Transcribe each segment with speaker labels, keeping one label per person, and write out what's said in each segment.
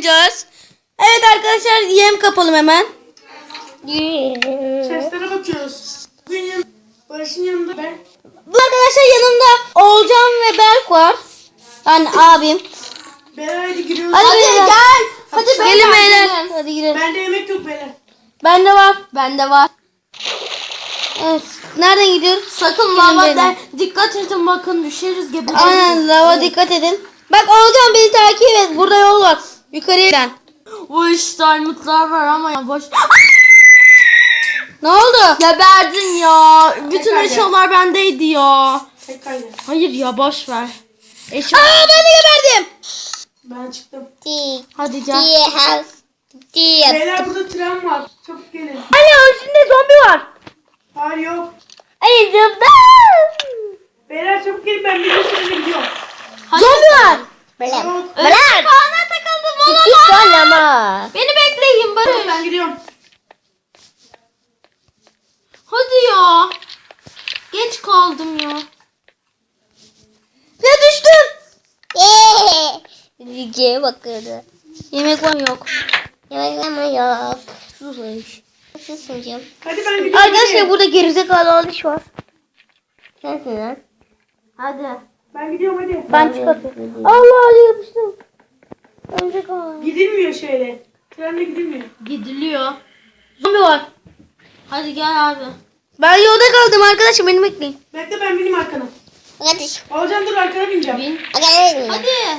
Speaker 1: oynayacağız. Evet arkadaşlar yem kapalım hemen.
Speaker 2: Seslere bakıyoruz. Bugün Barış'ın yanında ben.
Speaker 1: Bu arkadaşlar yanımda Oğulcan ve Berk var. Yani abim.
Speaker 2: Beyler hadi giriyoruz.
Speaker 1: Hadi beyler.
Speaker 3: Gel. Hadi
Speaker 1: Gelin beyler. Hadi girelim.
Speaker 2: Bende yemek yok beyler.
Speaker 1: Bende var.
Speaker 3: Bende var.
Speaker 1: Evet. Nereden gidiyoruz?
Speaker 3: Sakın
Speaker 1: Gelin
Speaker 3: lava
Speaker 1: beyler.
Speaker 3: dikkat edin bakın düşeriz gibi.
Speaker 1: Aynen lava dikkat edin. Bak Oğulcan beni takip et. Burada yol var. Yukarıya giden.
Speaker 3: Bu iş diamondlar var ama ya boş.
Speaker 1: Ne oldu?
Speaker 3: Geberdin ya. Bütün
Speaker 2: Tekrar
Speaker 3: eşyalar bendeydi ya.
Speaker 2: Tek kaydı.
Speaker 3: Hayır ya boş ver. Eşya.
Speaker 1: Aa ben de geberdim.
Speaker 2: Ben çıktım.
Speaker 3: Hadi gel.
Speaker 2: Beyler burada tren var. Çabuk gelin.
Speaker 1: Anne içinde zombi var.
Speaker 2: Hayır yok.
Speaker 1: Ay zombi.
Speaker 2: Beyler çabuk gelin ben bir sürede gidiyorum.
Speaker 1: Zombi var.
Speaker 2: Yok.
Speaker 1: Bırak.
Speaker 3: Bana takıldım olamaz. Beni bekleyin Barış.
Speaker 2: Ben gidiyorum.
Speaker 3: Hadi ya. Geç kaldım ya.
Speaker 1: Ya düştüm.
Speaker 4: Yüzeye bakıyordu.
Speaker 1: Yemek var mı yok.
Speaker 4: Yemek ama yok.
Speaker 1: Sus.
Speaker 4: Susuncum.
Speaker 2: Hadi ben gidiyorum.
Speaker 1: Arkadaşlar
Speaker 2: hadi.
Speaker 1: burada gerizekalı alış var.
Speaker 4: Sensin lan.
Speaker 3: Hadi.
Speaker 2: Ben gidiyorum hadi.
Speaker 1: Ben çıkartıyorum. Allah yapıştım. Ölecek ama.
Speaker 2: Gidilmiyor şöyle. Trenle gidilmiyor.
Speaker 3: Gidiliyor.
Speaker 1: Zombi var.
Speaker 3: Hadi gel abi.
Speaker 1: Ben yolda kaldım arkadaşım beni bekleyin.
Speaker 2: Bekle ben bineyim arkana.
Speaker 4: Kardeş.
Speaker 2: Alcan dur arkana bineceğim.
Speaker 3: Bin.
Speaker 4: Hadi.
Speaker 3: Hadi.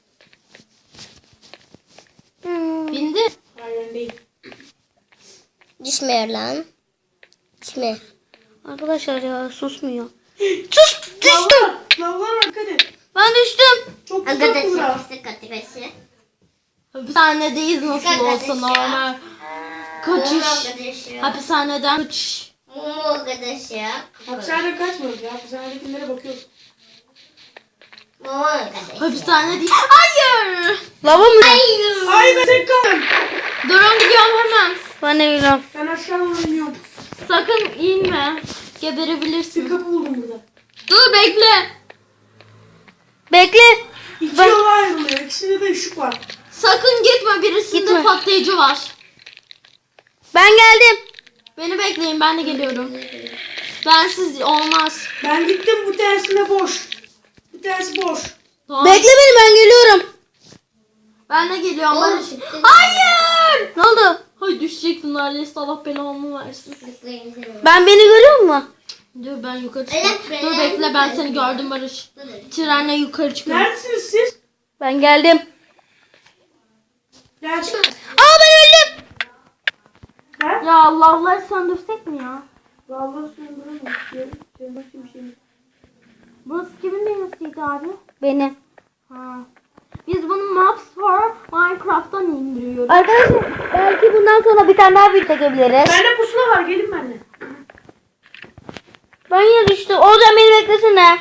Speaker 3: Bindi.
Speaker 2: Hayır değil.
Speaker 4: Düşmüyor lan. Düşme.
Speaker 1: Arkadaşlar ya susmuyor. Sus düştüm.
Speaker 2: Lavlar. Lavlar var dikkat et.
Speaker 1: Ben düştüm.
Speaker 2: Çok uzak
Speaker 4: Arkadaşlar.
Speaker 2: bura.
Speaker 4: Arkadaşlar.
Speaker 3: Hapishanedeyiz nasıl olsa
Speaker 4: Arkadaşlar.
Speaker 3: normal. Kaçış.
Speaker 4: Arkadaşlar.
Speaker 3: Hapishaneden kaçış.
Speaker 4: Arkadaşlar.
Speaker 2: Hapishaneden kaçmıyoruz ya. Hapishanedekilere bakıyoruz.
Speaker 4: Arkadaşlar.
Speaker 3: Hapishane değil. Hayır.
Speaker 1: Lava mı?
Speaker 2: Ay ben tek kaldım.
Speaker 3: Durun gidiyorum hemen.
Speaker 1: Ben de bilmiyorum.
Speaker 2: Ben aşağı doğru iniyorum.
Speaker 3: Sakın inme.
Speaker 2: Bir
Speaker 3: Geberebilirsin.
Speaker 2: kapı buldum burada.
Speaker 3: Dur bekle.
Speaker 1: Bekle.
Speaker 2: İki
Speaker 1: Ben-
Speaker 2: yola ayrılıyor. İkisinde de ışık var.
Speaker 3: Sakın gitme, birisinde
Speaker 1: Gitme.
Speaker 3: patlayıcı var.
Speaker 1: Ben geldim.
Speaker 3: Beni bekleyin, ben de geliyorum. Bensiz olmaz.
Speaker 2: Ben gittim bu tersine boş. Bu tersi boş.
Speaker 3: Tamam.
Speaker 1: Bekle beni ben geliyorum.
Speaker 3: Ben de geliyorum.
Speaker 4: Oğlum,
Speaker 3: Barış.
Speaker 4: çıktın.
Speaker 3: Hayır.
Speaker 1: Ne oldu?
Speaker 3: Hay düşecektim neredeyse, Allah belamı versin.
Speaker 1: Ben beni görüyor musun?
Speaker 3: Dur ben yukarı
Speaker 4: Evet,
Speaker 3: çıkıyorum. Dur
Speaker 4: ben-
Speaker 3: bekle, ben seni gördüm Barış. Trenle yukarı çıkıyorum.
Speaker 2: Neredesiniz siz?
Speaker 1: Ben geldim.
Speaker 2: Gerçi.
Speaker 1: Aa ben öldüm.
Speaker 2: Ben?
Speaker 3: Ya Allah Allah, söndürsek mi ya?
Speaker 2: Vallahi söndüremem. Başka bir şey yok.
Speaker 3: Burası kimin dünyasıydı abi?
Speaker 1: Beni.
Speaker 3: Ha. Biz bunu Maps for Minecraft'tan indiriyoruz.
Speaker 1: Arkadaşlar belki bundan sonra bir tane daha video çekebiliriz.
Speaker 2: Bende pusula var. Gelin benimle.
Speaker 1: Ben yine düştüm. Oğulcan beni beklesene.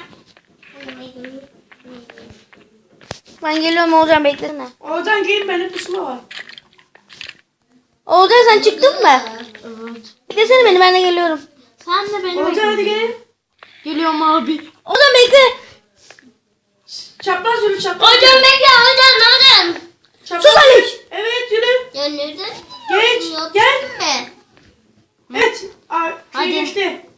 Speaker 1: Ben geliyorum Oğulcan beklesene.
Speaker 2: Oradan gelin bende pusula var.
Speaker 1: Oğulcan sen çıktın mı?
Speaker 3: Evet.
Speaker 1: Beklesene beni ben de geliyorum.
Speaker 3: Sen de beni
Speaker 2: Oradan hadi
Speaker 3: bekle.
Speaker 2: gelin.
Speaker 3: Geliyorum abi.
Speaker 1: Oğulcan bekle.
Speaker 2: Çapraz yürü çapraz.
Speaker 4: Hocam bekle hocam.
Speaker 2: Çapraz.
Speaker 1: Sus Aliş.
Speaker 2: Evet yürü.
Speaker 4: Gönlürdün.
Speaker 2: Geç. Gel.
Speaker 4: mi?
Speaker 2: Evet.
Speaker 3: Hadi.
Speaker 2: Geçti.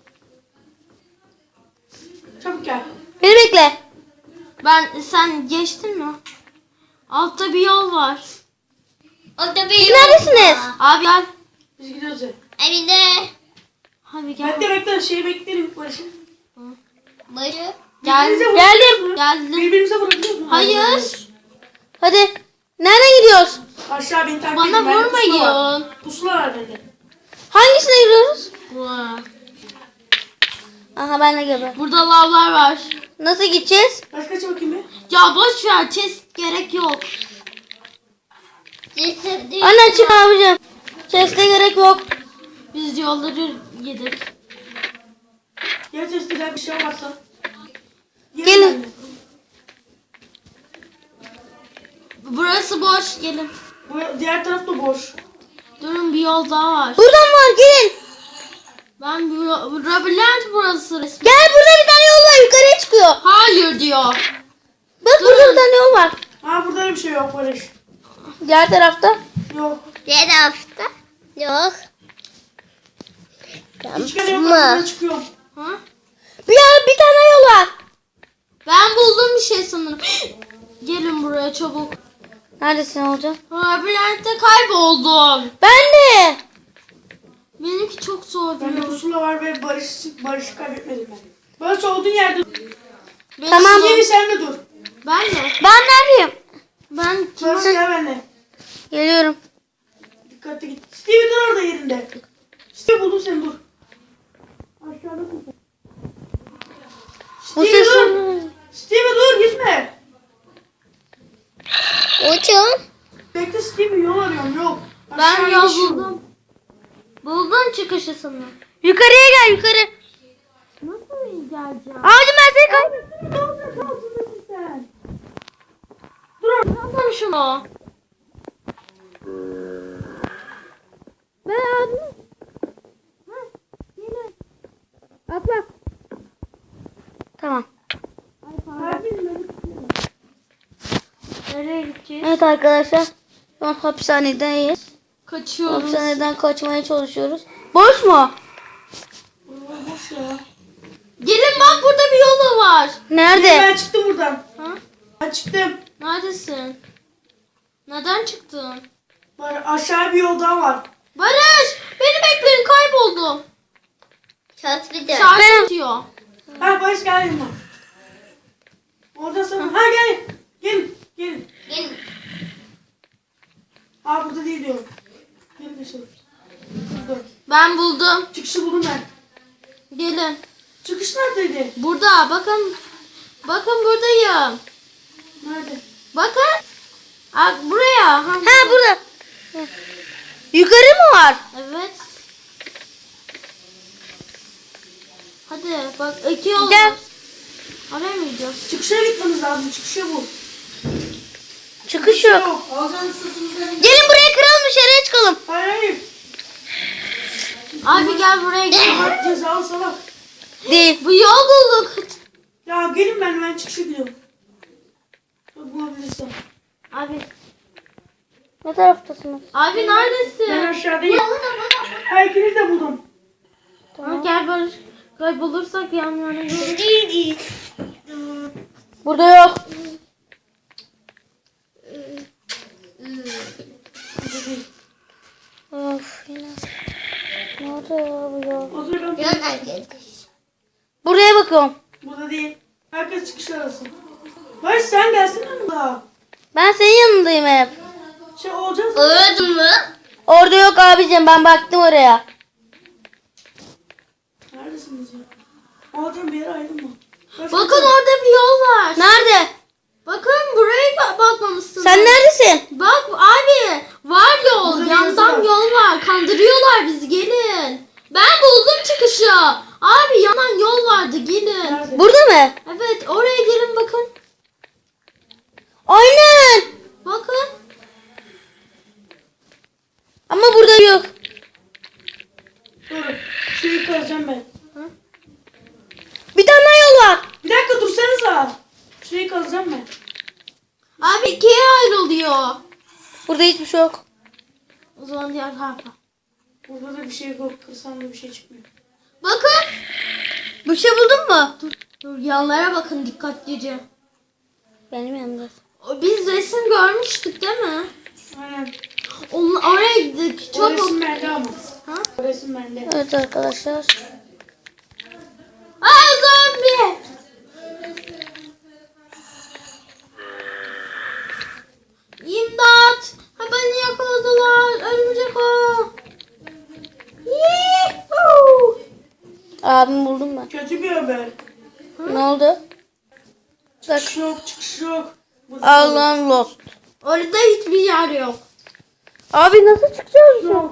Speaker 2: Çabuk gel.
Speaker 1: Beni bekle.
Speaker 3: Sen geçtin mi? Altta bir yol var.
Speaker 4: Orada
Speaker 1: Siz neredesiniz?
Speaker 3: Abi gel.
Speaker 2: Biz gidiyoruz ya.
Speaker 4: Evinde.
Speaker 3: Hadi gel.
Speaker 2: Bekle bekle şeyi bekleyelim Barış'ı.
Speaker 4: Barı.
Speaker 3: Gel.
Speaker 2: Birbirimize
Speaker 1: Geldim.
Speaker 2: vurabiliyoruz mu?
Speaker 3: Geldim.
Speaker 2: Birbirimize vurabiliyoruz mu?
Speaker 3: Hayır.
Speaker 1: Hadi. Nereden gidiyoruz?
Speaker 2: Aşağı beni takip
Speaker 3: Bana
Speaker 2: edin. Bende pusula var.
Speaker 3: vurmayın.
Speaker 2: Pusula var bende.
Speaker 1: Hangisine gidiyoruz?
Speaker 3: Vay.
Speaker 1: Aha ben de geber.
Speaker 3: Burada lavlar var.
Speaker 1: Nasıl gideceğiz?
Speaker 2: Kaç kaç bakayım bir.
Speaker 3: Ya boş ver. Chest gerek yok.
Speaker 4: Cesedin.
Speaker 1: Anne çık abicim. Sesle gerek yok.
Speaker 3: Biz yolları yedik.
Speaker 2: Gel testiler bir şey olmazsa.
Speaker 1: Gelin.
Speaker 2: benimle.
Speaker 3: Burası boş. Gelin.
Speaker 2: Bu diğer taraf da boş.
Speaker 3: Durun, bir yol daha var.
Speaker 1: Buradan var gelin.
Speaker 3: Ben labirent burası resmen.
Speaker 1: Gel burada bir tane yol var yukarıya çıkıyor.
Speaker 3: Hayır diyor.
Speaker 1: Bak burada bir tane yol var.
Speaker 2: Ha burada da bir şey yok Barış.
Speaker 1: Diğer tarafta.
Speaker 2: Yok.
Speaker 4: Diğer hafta. Yok.
Speaker 2: Hiç kere yok. Ben çıkıyorum.
Speaker 3: Ha?
Speaker 1: Bir tane yol var.
Speaker 3: Ben buldum bir şey sanırım. Gelin buraya çabuk.
Speaker 1: Neredesin hocam?
Speaker 3: Labirentte kayboldum.
Speaker 1: Ben de.
Speaker 3: Benimki çok zor.
Speaker 2: Bende pusula var ve Barış'ı kaybetmedim ben. Barış olduğun yerde dur.
Speaker 1: Tamam.
Speaker 2: Stevie sen de dur.
Speaker 3: Ben de.
Speaker 1: Ben neredeyim?
Speaker 3: Ben
Speaker 2: Barış gel benimle.
Speaker 1: Geliyorum.
Speaker 2: Dikkatli git. Stevie dur orada yerinde. Stevie buldum seni dur. Aşağıdasın sen.
Speaker 1: Bu
Speaker 2: Stevie dur.
Speaker 1: sesin.
Speaker 2: Stevie dur gitme.
Speaker 4: Hocam.
Speaker 2: Bekle Stevie yol arıyorum yok.
Speaker 3: Ben
Speaker 2: Aşağı
Speaker 3: yol
Speaker 2: gidiş yok.
Speaker 3: buldum. Buldum çıkışı sanırım.
Speaker 1: Yukarıya gel yukarı.
Speaker 3: Nasıl geleceğim?
Speaker 1: Abicim ben seni kaybettim.
Speaker 2: Ne olacak altındasın sen?
Speaker 3: Yapalım şunu.
Speaker 1: Ben abim. Atla. Tamam.
Speaker 3: Nereye gideceğiz?
Speaker 1: Evet arkadaşlar. Şu an hapishanedeyiz.
Speaker 3: Kaçıyoruz.
Speaker 1: Hapishaneden kaçmaya çalışıyoruz. Boş mu?
Speaker 2: Boş ya.
Speaker 3: Gelin bak burada bir yolu var.
Speaker 1: Nerede?
Speaker 2: Ben çıktım buradan.
Speaker 3: Ha?
Speaker 2: Ben çıktım.
Speaker 3: Neredesin? Neden çıktın?
Speaker 2: Var aşağı bir yol daha var.
Speaker 3: Barış! Beni bekleyin kayboldum.
Speaker 4: Çat bir de.
Speaker 3: Şarj atıyor.
Speaker 2: Ha Barış gel yanıma. Orada sana. Ha gel. Gelin. Gelin.
Speaker 4: Gelin.
Speaker 2: Aa burada değil diyorum. Gelin dışarı. Burada.
Speaker 3: Ben buldum.
Speaker 2: Çıkışı buldum ben.
Speaker 3: Gelin.
Speaker 2: Çıkış neredeydi?
Speaker 3: Burada bakın. Bakın buradayım.
Speaker 2: Nerede?
Speaker 3: Bakın. Buraya.
Speaker 1: Ha burada. Yukarı mı var?
Speaker 3: Evet. Hadi bak iki yol
Speaker 1: Gel.
Speaker 3: var. Oraya mı gidiyoruz?
Speaker 2: Çıkışa gitmemiz lazım. Çıkışı bu.
Speaker 1: Çıkış yok.
Speaker 2: Yok. Alacağın sırtınızdan.
Speaker 1: Gelin buraya kıralım dışarıya çıkalım.
Speaker 2: Hayır hayır.
Speaker 3: Abi gel buraya gidelim.
Speaker 2: Bak cezalı salak.
Speaker 1: Değil.
Speaker 3: Bu yol bulduk.
Speaker 2: Ya gelin ben çıkışa gidiyorum. Bulabilirsem.
Speaker 3: Abi.
Speaker 1: Ne taraftasınız?
Speaker 3: Abi
Speaker 2: Ben
Speaker 3: neredesin?
Speaker 2: aşağıdayım. Ha ikiniz de buldum.
Speaker 3: Ha, gel Barış. Kaybolursak yan yana yürü.
Speaker 1: Burada yok. Of yine. Nerede ya bu ya?
Speaker 2: O zaman ben
Speaker 4: Yol arkadaş.
Speaker 1: Buraya bakıyorum.
Speaker 2: burada değil. Herkes çıkış arasın. Barış sen gelsin yanımda.
Speaker 1: Ben senin yanındayım hep.
Speaker 2: Şey olacağız.
Speaker 4: Öldün mü?
Speaker 1: Orada yok abicim ben baktım oraya.
Speaker 2: Neredesiniz ya? Alacağım bir yere ayrılma. Barış,
Speaker 3: Bakın orada bir yol var.
Speaker 1: Nerede?
Speaker 3: Bakın buraya bakmamışsınız.
Speaker 1: Sen neredesin?
Speaker 3: Bak abi var yol.
Speaker 2: Burada bir
Speaker 3: Yandan
Speaker 2: yazı var.
Speaker 3: yol var. Kandırıyorlar bizi gelin. Ben buldum çıkışı. Abi yanan yol vardı gelin.
Speaker 2: Nerede?
Speaker 1: Burada mı?
Speaker 3: Evet oraya gelin bakın.
Speaker 1: Aynen.
Speaker 3: Bakın.
Speaker 1: Ama burada yok.
Speaker 2: Dur. Şurayı kazacağım ben.
Speaker 1: Bir tane daha yol var.
Speaker 2: Bir dakika dursanıza. Şurayı kazacağım ben.
Speaker 3: Abi ikiye ayrılıyor.
Speaker 1: Burada hiçbir şey yok.
Speaker 3: O zaman diğer tarafa.
Speaker 2: Burada da bir şey yok. Kırsam da bir şey çıkmıyor.
Speaker 3: Bakın.
Speaker 1: Bir şey buldun mu?
Speaker 3: Dur yanlara bakın dikkatlice.
Speaker 1: Benim yanımda.
Speaker 3: Biz resim görmüştük değil mi?
Speaker 2: Aynen.
Speaker 3: Oraya gittik.
Speaker 2: O
Speaker 3: Çabuk.
Speaker 2: resim bende ama.
Speaker 3: Ha?
Speaker 2: O resim bende.
Speaker 1: Evet arkadaşlar.
Speaker 3: Aa zombi. İmdat. Ha beni yakaladılar. Örümcek o. Yuhuu.
Speaker 1: Abim buldum ben.
Speaker 2: Kötü bir haber.
Speaker 1: Ne oldu?
Speaker 2: Çıkış yok, çıkış yok.
Speaker 1: Allah'ım lost.
Speaker 3: Orada hiçbir yer yok.
Speaker 1: Abi nasıl çıkacağız?
Speaker 2: Yok.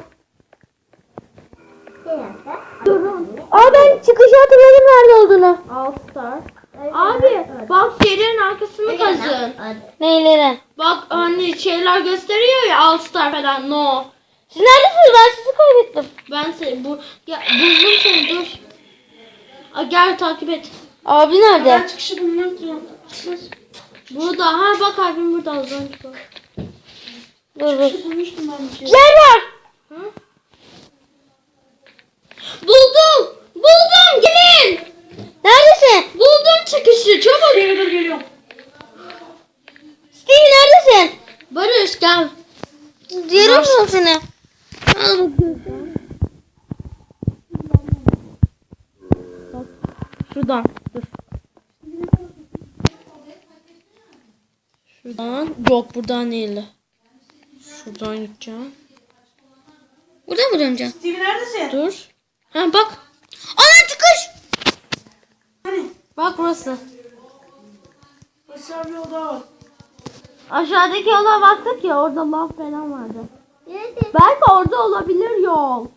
Speaker 1: Aa ben çıkışı hatırladım nerede olduğunu.
Speaker 3: All Star. Abi bak yerin arkasını kazın.
Speaker 1: Neyleri?
Speaker 3: Bak hani şeyler gösteriyor ya All Star falan no.
Speaker 1: Siz neredesiniz? Ben sizi kaybettim.
Speaker 3: Ben seni buldum seni dur. Gel takip et.
Speaker 1: Abi
Speaker 2: Ben
Speaker 1: nerede?
Speaker 2: çıkışı bulmak istiyorum.
Speaker 3: Burada ha bak abim burada az önce.
Speaker 2: Çıkışı bulmuştum ben bir şey.
Speaker 1: Yer var.
Speaker 3: Buldum. Buldum gelin.
Speaker 1: Neredesin?
Speaker 3: Buldum çıkışı çabuk.
Speaker 2: Stevie dur geliyorum.
Speaker 1: Steve neredesin?
Speaker 3: Barış gel.
Speaker 1: Yerim mi seni? Al bakayım. Şuradan. Dur. Şuradan. Yok buradan değil. Şuradan gideceğim. Buradan mı döneceğim?
Speaker 2: Stevie neredesin?
Speaker 1: Dur. Ha bak. Ana çıkış.
Speaker 2: Hani?
Speaker 1: Bak burası.
Speaker 2: Aşağı bir oda var.
Speaker 3: Aşağıdaki yola baktık ya orada lav falan vardı.
Speaker 4: Nerede?
Speaker 3: Belki orada olabilir yol.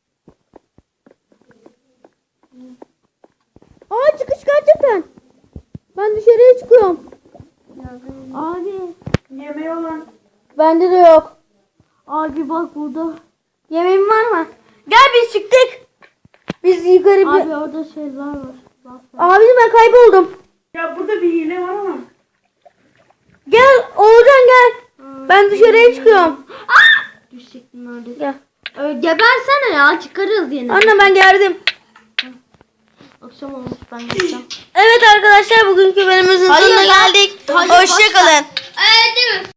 Speaker 1: Aa çıkış gerçekten. Ben dışarıya çıkıyorum.
Speaker 3: Abi.
Speaker 2: Yemeği olan.
Speaker 1: Bende de yok.
Speaker 3: Abi bak burada.
Speaker 1: Yemeğin var mı? Gel biz çıktık. Biz yukarı bir...
Speaker 3: Abi orada şeyler var. Bak.
Speaker 1: Abi ben kayboldum.
Speaker 2: Ya burada bir hile var ama.
Speaker 1: Gel Oğuzhan gel. Ben dışarıya çıkıyorum.
Speaker 3: Düşecektim neredeyse.
Speaker 1: Gel.
Speaker 3: Gebersene ya çıkarız yine.
Speaker 1: Anne ben geldim.
Speaker 3: Akşam olmuş ben gideceğim.
Speaker 1: Evet arkadaşlar bugünkü bölümümüzün
Speaker 3: Hayır
Speaker 1: sonuna
Speaker 3: ya.
Speaker 1: geldik.
Speaker 3: Hayır,
Speaker 1: Hoşçakalın.
Speaker 4: Evet değil mi?